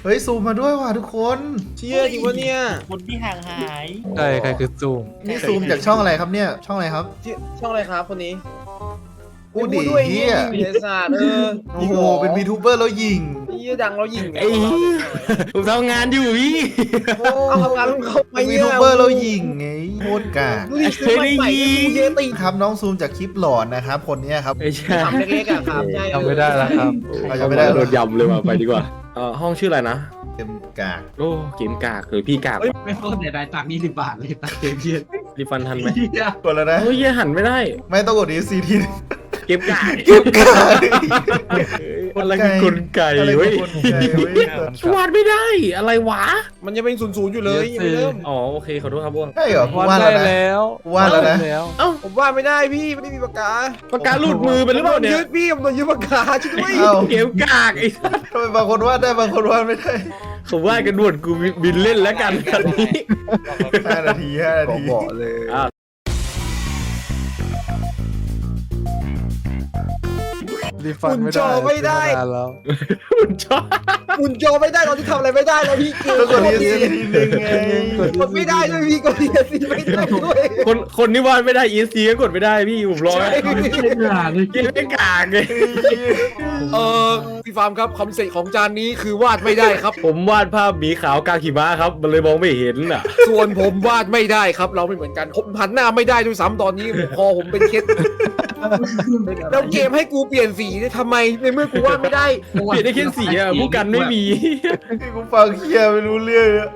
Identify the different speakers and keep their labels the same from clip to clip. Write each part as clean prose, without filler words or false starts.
Speaker 1: เฮ้ยซูมมาด้วยว่ะทุกคน
Speaker 2: เชี่ยจริงวะเนี่ย
Speaker 3: คนที่ห่างหาย
Speaker 4: ใช่ใครคือซูม
Speaker 1: นี่ซูมจากช่องอะไรครับเนี่ยช่องอะไรครับ
Speaker 2: ช่องอะไรครับคนนี้
Speaker 1: อู้ดี
Speaker 2: ด้วย
Speaker 1: เฮีย
Speaker 2: เฮียศาสตร์
Speaker 1: โอ้โหเป็นวีทูเบอร์แล้วยิง
Speaker 2: เฮียดังแล้วยิง
Speaker 4: ไอ้ผมทำงานอยู่พี่
Speaker 2: เอาทำงานของเขาไป
Speaker 1: เป็นวีทูเบอร์แล้วยิงไงโคตรกาก
Speaker 2: ดูดิซื้อมาใหม่กูเยติ
Speaker 1: ครับน้องซูมจากคลิปหลอนนะครับคนเนี้ยครับ
Speaker 4: ไม่ใช่
Speaker 2: ทำเล็กๆอ่ะครับใช่
Speaker 4: ทำไม่ได้แล้วครับ
Speaker 1: เราจะไม่ได้
Speaker 5: โดนยำเลยว่ะไปดีกว่าห้องชื่ออะไรนะ
Speaker 1: เต็มกาก
Speaker 5: โอ้เกมกากหรือพี่กาก
Speaker 3: ไม่โคตรเสียดายตังค์20 บาทเลยตังค์เกมเย็น
Speaker 5: รีฟันทันไหม
Speaker 1: กดแล้วนะ
Speaker 5: เฮ้ยหันไม่ได้
Speaker 1: ไม่ต้องกดดีซีที
Speaker 5: เกมกาก
Speaker 1: เก็บกาก
Speaker 5: อะไรคือกลไก
Speaker 1: อะไร
Speaker 5: เว้ย
Speaker 1: กลไกเว้ยว
Speaker 5: าดไม่ได้อะไรวะ
Speaker 2: มันยังเป็นศูนย์อยู่เลยยังไม่เริ่ม
Speaker 5: อ๋อโอเคขอโทษครับบ้วง
Speaker 1: ใช่เหรอกู
Speaker 4: วาด
Speaker 1: ว่า
Speaker 4: ได้
Speaker 1: แล้วนะ
Speaker 4: แล้ว
Speaker 1: กูว่าแล้วนะ
Speaker 4: แล้ว
Speaker 5: เอ้า
Speaker 2: ผมว่าไม่ได้พี่ไม่ได้มีปากกา
Speaker 5: ปากกาหลุดมือไปหรือเปล่าเนี่ย
Speaker 2: ยึดพี่ผมโดนยึดปากกาช่วยด้วย
Speaker 1: เอ้า
Speaker 5: เกมกากไอ้
Speaker 1: ทำไมบางคนวาดได้บางคนวาดไม่ได้
Speaker 5: ผมว่ากันด่วนกูบินเล่นแล้วกันคันนี้
Speaker 1: 5 นาที5 นาที
Speaker 4: บอกเลย รีฟันไม่ได้แล้ว
Speaker 5: คุณชอบ
Speaker 2: หุ่นโจไม่ได้ตอนที่ทำอะไรไม่ได้แล้วพี่เกม
Speaker 1: ต้องกดดีซีทีนึงไง
Speaker 2: กดไม่ได้ด้วยพี่กดดีซีไม่ได้ด้วย
Speaker 5: คนที่วาดไม่ได้ ESC ก็กดไม่ได้พี่ผมรอ
Speaker 3: ไม่ได้เลย
Speaker 5: เกมไม่กากเลย
Speaker 2: พี่ฟาร์มครับคำเสร็จของจานนี้คือวาดไม่ได้ครับ
Speaker 5: ผมวาดภาพหมีขาวกลางหิมะครับ มันเลยมองไม่เห็นอ่ะ
Speaker 2: ส่วนผมวาดไม่ได้ครับ เราไม่เหมือนกันผมหันหน้าไม่ได้ด้วยซ้ำตอนนี้คอผมเป็นเคสแล้วเกมให้กูเปลี่ยนสีเนี่ยทำไมในเมื่อกูวาดไม่ได้
Speaker 5: เปลี่ยนได้แค่สีอ่ะผู้กันไม่มี
Speaker 1: ที่กูฟังเคียไม่รู้เรื่องอะ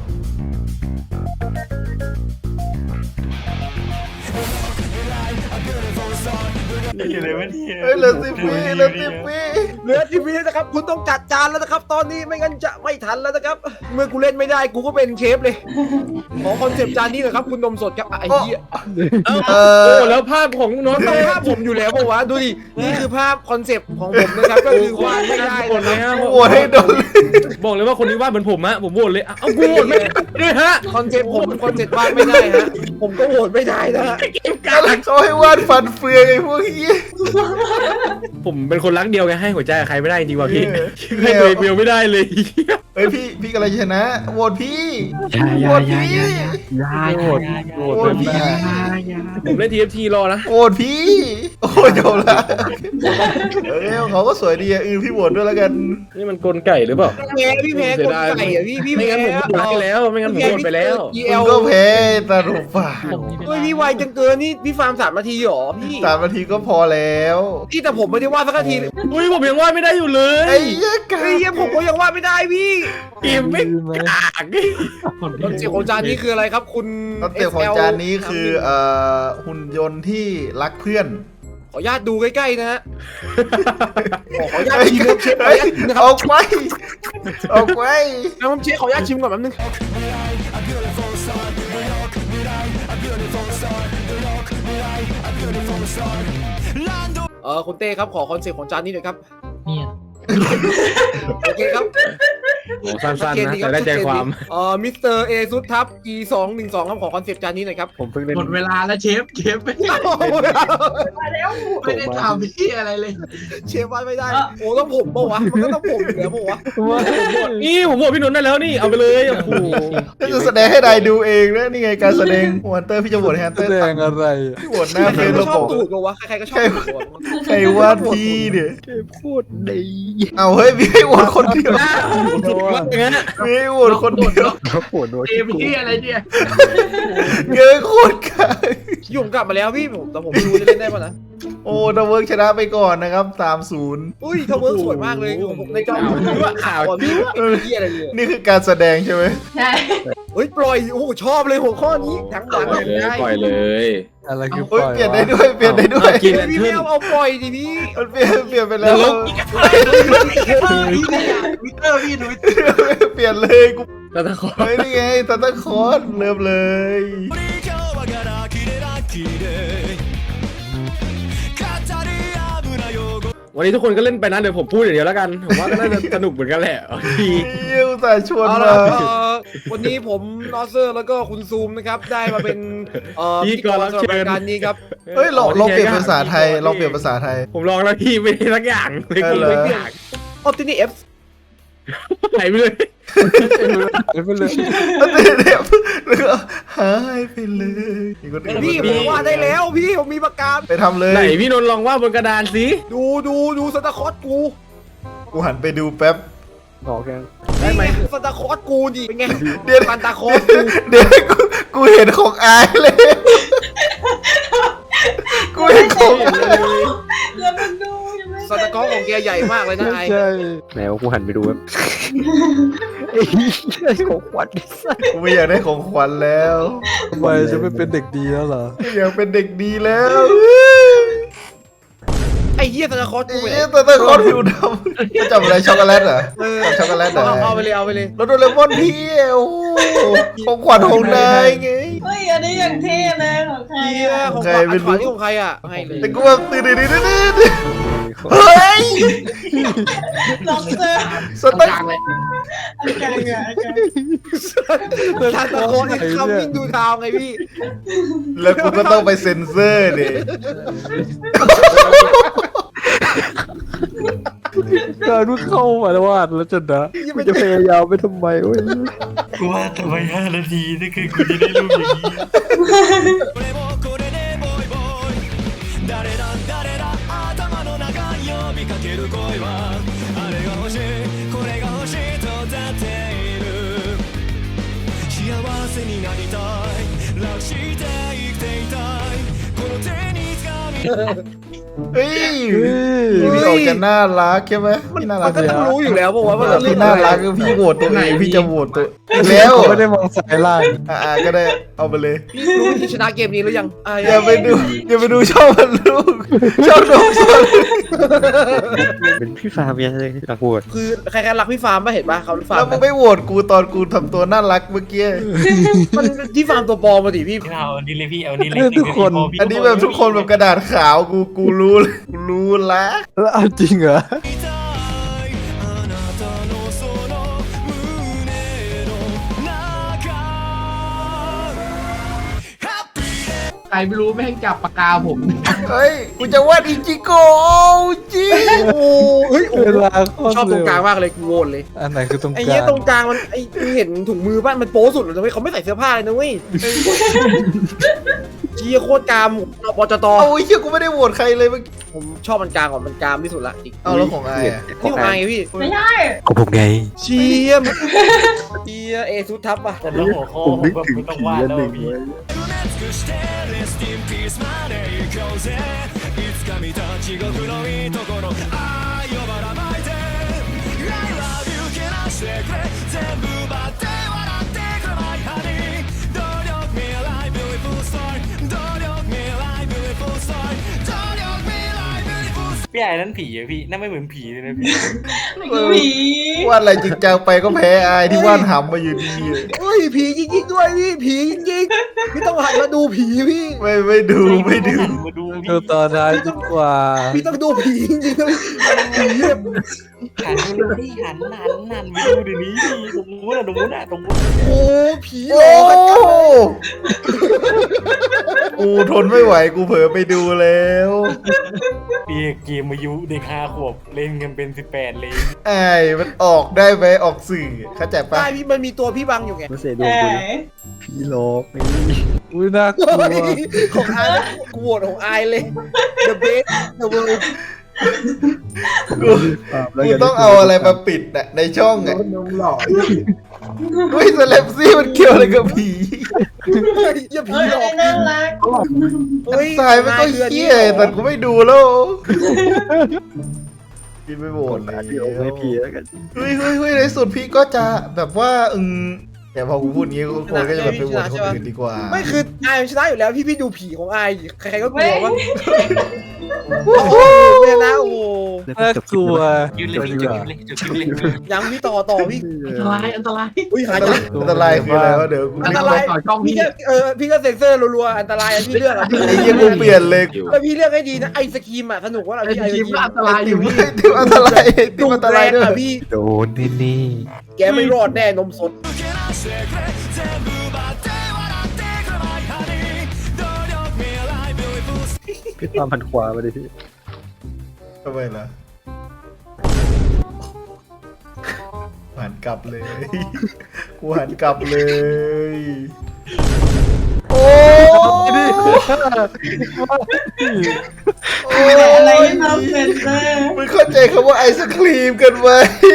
Speaker 1: เฮ้ยเหลือ10 วิเหลือ10 วิ
Speaker 2: เหลือ10 วินะครับ คุณต้องจัดจานแล้วนะครับ ตอนนี้ไม่งั้นจะไม่ทันแล้วนะครับ เมื่อกูเล่นไม่ได้กูก็เป็นเชฟเลย ขอคอนเซปต์จานนี้หน่อยครับ คุณนมสดครับไอ้เหี้ย
Speaker 5: เอ้า
Speaker 1: เอ
Speaker 5: โอ้
Speaker 1: อ
Speaker 5: แล้วภาพของน้อง
Speaker 2: มันต้องภาพผมอยู่แล้วปะวะดูดินี่คือภาพคอนเซปต์ของผมนะครับ ก็คือวาดไม่ได้
Speaker 5: หมดเลย
Speaker 2: นะ
Speaker 5: ฮะ
Speaker 1: โหวตให้โดน
Speaker 5: บอกเลยว่าคนนี้วาดเหมือนผมฮะผมโหวตเลยเอ้ากูโหวตไม่ได้ด้วยฮะ
Speaker 2: คอนเซปต์ผมคอนเซปต์วาดไม่ได้ฮะผมก็โหวตไม่ได้นะฮะ
Speaker 1: เขาให้วาดฟันเฟืองไอ้พวกเฮีย
Speaker 5: ผมเป็นคนรักเดียวไงให้หัวใจกับใครไม่ได้จริงว่ะพี่
Speaker 1: เออ
Speaker 5: ให้ตัวเองเดียวไม่ได้เลย
Speaker 1: เฮ้ยพี่กำลังจะชนะโหวตพี่โหวตพี่
Speaker 4: โหวตโหวต
Speaker 1: โหวต
Speaker 4: เป็น
Speaker 1: พี่
Speaker 4: ได้
Speaker 5: ผมเล่น TFT รอนะ
Speaker 1: โหวตพี่โอ้ยจบละเอ้ยเขาก็สวยดีอ่ะพี่โหวตด้วยแล้วกัน
Speaker 5: นี่มันกลไก่หรือเปล่า
Speaker 2: แพ้พี่แพ้คนไก่อะพี่
Speaker 5: ไม่
Speaker 2: แพ้
Speaker 5: งั้นผมโหวตไปแล้วไม่งั้นผมโหวตไปแล้ว
Speaker 1: คุณก็แพ้ตาลุป่า
Speaker 2: เฮ้ยพี่ไวจังเกินนี่พี่ฟาร์ม3 นาทีหรอพี่
Speaker 1: 3 นาทีก็พอแล้ว
Speaker 2: พี่แต่ผมไม่ได้วาดสักนาทีเลย
Speaker 5: อุ้ยผมยังวาดไม่ได้อยู่เลย
Speaker 1: ไอ้เหี้ยกา
Speaker 2: เฮ้ยผมก็ยังวาดไม่ได้พี่
Speaker 5: เกมไม่กาก
Speaker 2: คอนเซ็ปต์ของจานนี้คืออะไรครับคุณ
Speaker 1: คอนเซ็ปต์ของจานนี้คือหุ่นยนต์ที่รักเพื่อน
Speaker 2: ขออนุญาตดูใกล้ๆนะฮะขออนุญาตชิมเชฟขออ
Speaker 1: เฮ้ย
Speaker 2: นุญาตชิมนะค
Speaker 1: อ
Speaker 2: รั
Speaker 1: อบ กไปออกไป
Speaker 2: น้ำเชฟขออนุญาตชิมก่อนแป๊บนึงคุณเต้ครับขอคอนเซ็ปต์ของจานนี้หน่อยครับ
Speaker 3: เนี่ย
Speaker 2: โอเคครับ
Speaker 5: โอ้สั้นๆนะแต่ได้ใจความ
Speaker 2: มิสเตอร์เอซุดทับ G212 ครับขอคอนเซ็ปต์จานนี้หน่อยครับ
Speaker 5: ผมเพิ่งเล่น
Speaker 3: หมดเวลาแล้วเชฟไม่ได้ทำพี่อะไรเลย
Speaker 2: เชฟวาดไม่ได้ โอ้ต้องผมปะวะ มันก็ต้องผมอยู่แล้วปะวะ
Speaker 5: นี่ผมโหวตพี่นนท์ได้แล้วนี่เอาไปเลยโอ้โห
Speaker 1: ก็จะแสดงให้นายดูเองนะนี่ไงการแสดงฮันเตอร์พี่จะโหวตให้ฮันเต
Speaker 4: แส
Speaker 1: อร์
Speaker 4: ดงอะไร
Speaker 1: พี่โหวตหน้า
Speaker 2: ใค
Speaker 1: เฟ
Speaker 2: ร
Speaker 1: ซ
Speaker 2: ก็
Speaker 1: ระ
Speaker 2: ช
Speaker 1: บ
Speaker 2: อบบ ตูดปะวะ ใครๆก็ชอบตูดปะวะ
Speaker 1: ใครวาดพี่เนี่ย
Speaker 4: พูดดี
Speaker 1: เอาเฮ้ยพี่ให้โหวตคนเดียว
Speaker 5: สุดว่าอย่างนั้น
Speaker 1: พี่ให้โหวตคนเดียว
Speaker 4: เขาปวดโดน
Speaker 3: เกมพี่อะไรเนี่ย
Speaker 1: เกินโคตรกาย
Speaker 2: ยุ่งกลับมาแล้วพี่ผมแต่ผมไม่รู้จะเล่นได้ปะนะ
Speaker 1: โอ้ดับเบิลชนะไปก่อนนะครับ3-0
Speaker 2: อุ้ยทาวเวิร์กสวยมากเลยผมในจอผมดูว่าข่าวอ่ะพี่ว่าเหี้ยอะไรเลย
Speaker 1: นี่คือการแสดงใช่ไหม
Speaker 6: ใช่
Speaker 2: เฮ้ยปล่อย โอ้โหชอบเลยหัวข้อนี้ทั้งหลัง
Speaker 5: ปล่อยเลย
Speaker 2: ได้
Speaker 5: ปล่อยเลย
Speaker 4: อะไรคือป
Speaker 1: เฮ้ย
Speaker 4: ล่อย
Speaker 1: เปลี่ยนได้ด้วยเปลี่ยนได้ด้วย
Speaker 5: กิน
Speaker 2: พี่ไม่เอาปล่อยดิพี่
Speaker 1: มันเปลี่ยนไปแล้ว
Speaker 3: วิเตอร์พี่ดู
Speaker 1: เปลี่ยนเลยกู
Speaker 5: แต่ถ้าขอ
Speaker 1: เฮ้ยนี่ไงซันตาคลอสเริ่มเลย
Speaker 5: วันนี้ทุกคนก็เล่นไปนะเดี๋ยวผมพูดอย่างเดียวแล้วกันผมว่าก็น่าจะสนุกเหมือนกันแหละดี
Speaker 1: เยี่ยวแต่ชวน
Speaker 2: เอา
Speaker 1: มา
Speaker 2: ละวันนี้ผมนอเซอร์แล้วก็คุณซูมนะครับได้มาเป็นพิธีกรสำหรับรายการนี้ครับ
Speaker 1: เฮ้ยลองเปลี่ยนภาษาไทยลองเปลี่ยนภาษาไทย
Speaker 5: ผมลองแล้วพี่ไม่ได้สักอย่างเลย
Speaker 1: เออ
Speaker 5: กิน
Speaker 1: เหรอ
Speaker 5: ไม่เปลี่ยน
Speaker 2: ออปตินี่เอฟ
Speaker 5: หายไปเลย
Speaker 4: ไปเลย
Speaker 1: แล้วก็หายไปเลยมีคนอื่น
Speaker 2: พี่ผมวาดได้แล้วพี่ผมมีปากกา
Speaker 1: ไปทำเลย
Speaker 5: ไหนพี่นนท์ลองวาดบนกระดานสิ
Speaker 2: ดูสตาร์คอร์สกู
Speaker 1: กูหันไปดูแป๊บ
Speaker 4: บอกแก
Speaker 2: นี่ไงสตาร์คอร์สกูดิเป็นไง
Speaker 1: เดี๋ยว
Speaker 2: ฟันตาคอร์สกู
Speaker 1: เดี๋ยวกูเห็นของอายเลยกูเห็นของอาย
Speaker 6: แล้วมันดูยังไม่
Speaker 2: สตาร์คอร์สของแกใหญ่มากเลยนะไอ้
Speaker 4: ใช่
Speaker 5: แล้วกูหันไปดูแบบ
Speaker 4: ของขวัญ
Speaker 1: กูไม่อยากได้ของขวัญแล้ว
Speaker 4: ทำไมจะไม่เป็นเด็กดีแล้วเหรอ
Speaker 1: ไม่อยากเป็นเด็กดีแล้ว
Speaker 2: ไอ้เหี้ยสตาร์คอร์สกู
Speaker 1: ไอ้
Speaker 2: ไปไหน
Speaker 1: เหี้ยตัวตะคอนผิวดำจำอะไรช็อกโกแลตเหรอ
Speaker 2: เออ
Speaker 1: จำช็อกโกแลตเหรอ
Speaker 2: เอาไปเลย
Speaker 1: แล้วโดเรมอนพี่โอ้โหของขวัญของนายไง
Speaker 6: เฮ้ยอันนี้อย่างเท่เลยของใคร
Speaker 2: เหี้ย
Speaker 6: อ่ะ
Speaker 2: ของ
Speaker 1: ใคร
Speaker 2: ขวัญ
Speaker 1: ไม่รู้
Speaker 2: อันขวัญนี่ของใครอ่ะให้เลย
Speaker 1: แต่กูแบบตื่นเฮ้ย
Speaker 6: ล็อกเซอร์
Speaker 1: สตา
Speaker 2: กลาง
Speaker 1: ร์
Speaker 2: เลย
Speaker 6: อาการเหรออาการ
Speaker 2: สตาร์คอร์สไอ้คำวิ่งดูทาวไงพี่
Speaker 1: แล้วกูก็ต้องไปเซ็นเซอร์ดิ
Speaker 4: การเพิ่งเข้ามาแล้ววาดแล้วจะนะกูจะพยายามไปทำไมเว้ย
Speaker 7: กูว่าทำไม5 นาทีนี่คือกูจะได้รูปอย่างนี้
Speaker 1: เฮ้ยพี่ออกจะน่ารักใช่ไหมพี่น่ารั
Speaker 2: มั
Speaker 1: ก
Speaker 2: นก็ต้องรู้อยู่แล้วบอกว่า
Speaker 1: แบบ
Speaker 2: เรื่
Speaker 1: พี่
Speaker 2: อง
Speaker 1: น่า
Speaker 2: อะไร
Speaker 1: รักคือพี่โหวตตัวเองพี่จะโหวตตัวแล้ว
Speaker 4: ไม่ได้มองสายล่าง
Speaker 1: ก็ได้เอาไปเลย
Speaker 2: พี่รู้วิธีชนะเกมนี้หรือยังอ่ะ
Speaker 1: อย่าไปดูช่องมันลูกช่องน้องสน
Speaker 7: เป็นพี่ฟาร์มยังเลยรักโหด
Speaker 2: คือใครๆรักพี่ฟาร์มป่ะเห็นป่ะเขาฟาร์
Speaker 1: แล้
Speaker 2: ม
Speaker 1: วมึงไม่โหวตกูตอนกูทำตัวน่ารักเมื่อกี้
Speaker 2: มันที่ฟาร์มตัวปลอมมาดิพี่
Speaker 7: พี่เอาอันนี้เลยพี่เอาอันนี้เลย
Speaker 4: ทุกคน
Speaker 1: อันนี้แบบทุกคนแบบกระดาษขาวกูรู้เลยกูรู้ละ
Speaker 4: แล้วเอาจริงเหรอ
Speaker 3: ใครไม่รู้แม่งจับปากกาผม
Speaker 1: เฮ้ยกูจะวาดอิจิโกะจริง
Speaker 2: โอ้เฮ้ยโอ้
Speaker 4: เวลาโคต
Speaker 2: ชอบตรงกลาง
Speaker 4: เร็ว
Speaker 2: มากเลยกูโหวตเลย
Speaker 4: อันไหนคือตรง
Speaker 2: ไอ้
Speaker 4: ก
Speaker 2: เหี้ย
Speaker 4: ลาง
Speaker 2: ตรงกลางมันไอ้มึงเห็นถุงมือป่ะมันโป๊สุดเลยนะเว้ยเขาไม่ใส่เสื้อผ้าเลยนะเว้ยเจี๊ยโคตรกามปจต
Speaker 1: เอาไอ้เหี้ยกูไม่ได้โหวตใครเลยเมื่อกี้
Speaker 2: ผมชอบมันกลางก่อนมันกลางที่สุดละจริง
Speaker 1: เอาแล้วของไอ้อะ
Speaker 2: นี่ของไงพี่
Speaker 6: ไม่ใช่
Speaker 7: ของผมไง
Speaker 2: เชียมเชียเอซุดทับอ่ะ
Speaker 7: แต่แล้วหัวข้อผมแบบไม่ต้องวาดแล้วพี่ พี่ไอ้นั่นผีอะพี่นั่นไม่เหมือนผีเลยนะพี่
Speaker 6: ไม่คือผี
Speaker 1: วาดอะไรจริงจังไปก็แพ้ไอ้ที่วาดหำมาอยู่ดี
Speaker 2: เฮ้ยผีจริงๆด้วยพี่ผีจริงๆพี่ต้องหันมาดูผีพี่
Speaker 1: ไม่ดู
Speaker 7: มาดู
Speaker 4: ดูตอนท้ายดีกว่า
Speaker 2: พี่ต้องดูผีจริงๆนะผีแบบ
Speaker 7: หันดูพี่หันไปดูเดี๋ยวนี้พี่ตรงนู้นอะตรงนู้นอะตรงนู้น
Speaker 2: โอ้ผีหล
Speaker 1: โอ้
Speaker 2: อกกันจัง
Speaker 1: กูทนไม่ไหวกูเผลอไปดูแล้ว
Speaker 7: พี่เกมอายุเด็ก5 ขวบเล่นกันเป็น18เลย
Speaker 1: ไอ้มันออกได้ไหมออกสื่อเข้าใจปะ
Speaker 2: ใช่พี่มันมีตัวพี่บังอยู่ไง
Speaker 4: ไม่เสียด
Speaker 6: เอ
Speaker 4: วงกู
Speaker 6: อ
Speaker 4: ผีหลอกอุ้ยน่ากลัว
Speaker 2: ของไอายกูโหวตของไอายเลย The best the world
Speaker 1: กูต้องเอาอะไรมาปิดอะในช่องอะ
Speaker 3: น้องหล่อ
Speaker 1: อุ้ยสแลปซี่มันเกี่ยวอะไรกับผี
Speaker 2: เฮ้ยอย่าผี
Speaker 6: เฮ้ย
Speaker 2: หลอก
Speaker 6: น่ารัก
Speaker 2: เฮ้ย
Speaker 1: ตายไม่ก็เหี้ยแต่กูไม่ดูแล้วกินไม่หมดเลย
Speaker 4: ไม่ผีแล้วกัน
Speaker 1: เฮ้ยในสุดพี่ก็จะแบบว่าแต่พอกูพูดงี้คนก็จะแบบไปโหวตคนอื่นดีกว่า
Speaker 2: ไม่คือไอายมันชนะอยู่แล้วพี่ดูผีของไอายใครๆก็กลัวว่า
Speaker 1: โอ้โห
Speaker 2: ไม่ชนะโอ้โห
Speaker 4: น่ากลัว
Speaker 7: ยืนเลยพี่จุดเลยจุดเลย
Speaker 2: ยังพี่ต่อพี่
Speaker 3: อันตราย
Speaker 2: อุ้ยหาย
Speaker 1: อันตรายคืออะไรวะเดี๋ยวกู
Speaker 2: อันตราย
Speaker 3: ต่อช่อง
Speaker 2: พี่
Speaker 3: พี่
Speaker 2: ก็พี่ก็เซ็นเซอร์รัวๆอันตรายอันพี่เลือกอ่ะพี่
Speaker 1: ไอ้เหี้ยกูเปลี่ยนเลย
Speaker 2: แล้วพี่เลือกให้ดีนะไอศครีมอ่ะสนุกว่าเรา
Speaker 3: ไอ้
Speaker 2: พี่ไอศ
Speaker 3: ที
Speaker 2: ค
Speaker 3: ม
Speaker 2: รีม
Speaker 3: ก็อันตรายอยู่พี่
Speaker 1: ติมอันตรายติมอันตรายด้วย
Speaker 2: อ่ะพี่
Speaker 4: โดนนี่
Speaker 2: แกไม่รอดแน่นมสด
Speaker 4: พี่ตามพันขวามาดิพี่
Speaker 1: ทำไมล่ะหันกลับเลย กูหันกลับเลย โอ้
Speaker 6: แต่อะไรทำเป็นเซอร์
Speaker 1: มึงเข้าใจคำว่าไอศครีมกันไหม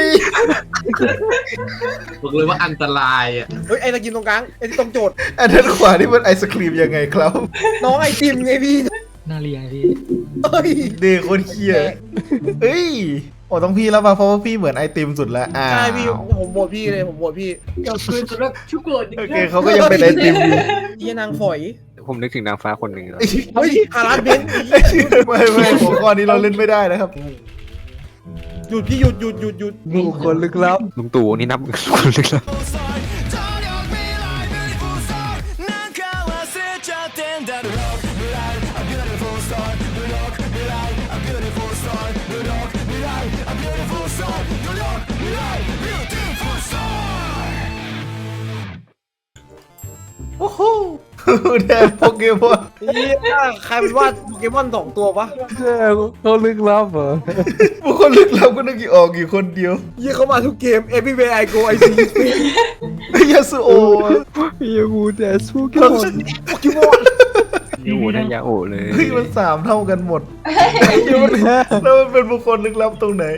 Speaker 3: บอกเลยว่าอันตรายอ่ะ
Speaker 2: เฮ้ยไอ้ตะกินตรงกลางไอ้ที่ตรงโจทย์
Speaker 1: อันนั้นขวานี่มันไอศครีมยังไงครับ
Speaker 2: น้องไอติมไงพี่
Speaker 7: น่าเรียนพี่
Speaker 2: เฮ้ย
Speaker 1: เด็กคนเคียเฮ้ยโอ้ต้องพี่แล้วมาเพราะว่าพี่เหมือนไอติมสุดแล้ว
Speaker 2: ใช่พี่ผมโหวตพี่เลยผมโหวตพี่
Speaker 6: ขอบคุณสำหรับทุกคน
Speaker 1: โอเคเขาก็ยังเป็นไอติมอยู่
Speaker 2: เฮียนางฝอย
Speaker 4: ผมนึกถึงนางฟ้าคนหนึ่งแล้ว
Speaker 2: เฮ้ยฮาราสเบนซ์
Speaker 1: ไม่หัวข้อนี้เราเล่นไม่ได้นะครับ
Speaker 2: หยุดพี่หยุดหยุดหยุดหยุด
Speaker 4: บุคคลลึกลับลุงตู่นี่นับบุคคลลึกลับ
Speaker 1: โอ้โหแดนโปเกมอน
Speaker 2: เฮียใครเป็นวาดโปเกมอน2 ตัวปะ
Speaker 4: เขาลึกลับเหรอ
Speaker 1: บุคคลลึกลับก็นึกออกอยู่คนเดียว
Speaker 2: เฮียเขามาทุกเกม everywhere I go I see you
Speaker 1: ยาสุโอ
Speaker 4: ยามูแต่สู้กันหมด
Speaker 2: โปเกมอน
Speaker 4: อยู่ในยาโอเลย
Speaker 1: เฮ้ยมัน3 เท่ากันหมดแล้วมันเป็นบุคคลลึกลับตรงไหน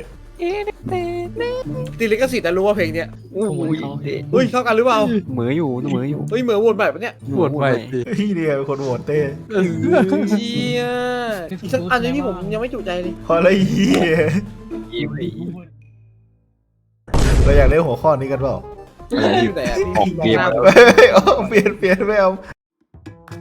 Speaker 2: ติดลิขสิทธิ์แต่รู้ว่าเพลงเนี้ย
Speaker 7: ขโมยเขาพี่
Speaker 2: เฮ้ยเท่ากันหรือเปล่า
Speaker 4: เหมืออยู่เหมืออยู่
Speaker 2: เฮ้ยเหมือนโหวตแบบเนี้ย
Speaker 4: ปวดใหม่ดิ
Speaker 1: เฮ้ยเนี่ยเป็นคนโหวตเต้
Speaker 2: เฮียอีกสักอันนึงที่ผมยังไม่จุใจเลย
Speaker 1: พออะไรเหี้ย
Speaker 4: อีไป
Speaker 1: เราอยากได้หัวข้อนี้กันเปล่า
Speaker 2: อยู่ไหนอะ
Speaker 4: ออกเกมแล้ว
Speaker 1: เฮ้ยเอาเปลี่ยนไม่เอา